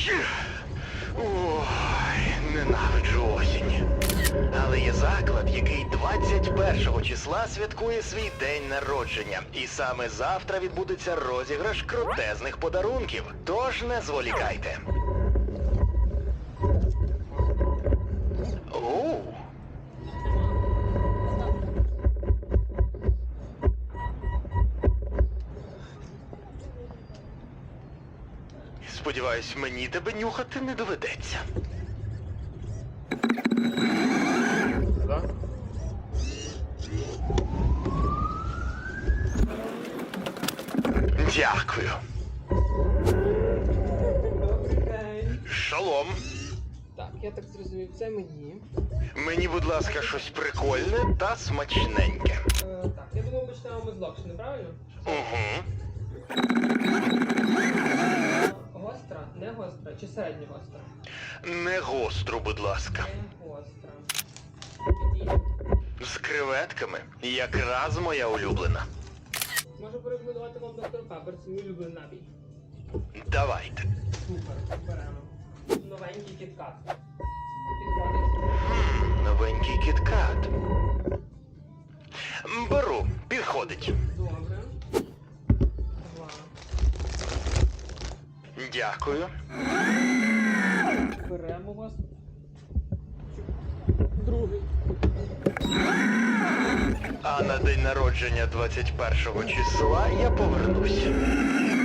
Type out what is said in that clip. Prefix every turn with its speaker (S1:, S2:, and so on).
S1: Ой, ненавиджу осінь. Але є заклад, який 21 числа святкує свій день народження. І саме завтра відбудеться розіграш крутезних подарунків. Тож не зволікайте. Оу. Сподіваюсь, мені тебе нюхати не доведеться.
S2: Да?
S1: Дякую.
S3: Добрий день.
S1: Шалом.
S3: Так, я так зрозумів, це мені.
S1: Мені, будь ласка, щось прикольне та смачненьке.
S3: Так, я думаю, почнемо ми з локшини, правильно?
S1: Угу.
S3: Гостра, не гостра, чи середньо гостра?
S1: Не гостру, будь ласка.
S3: Не гостра.
S1: З креветками. Якраз моя улюблена.
S3: Можу порекомендувати вам доктор Пеппер, це мій улюблений напій.
S1: Давайте.
S3: Супер, беремо. Новенький кіткат. Підходить?
S1: Новенький кіткат. Беру. Підходить.
S3: Добре. Два.
S1: Дякую.
S3: Беремо вас. Другий.
S1: А на день народження 21 числа я повернусь.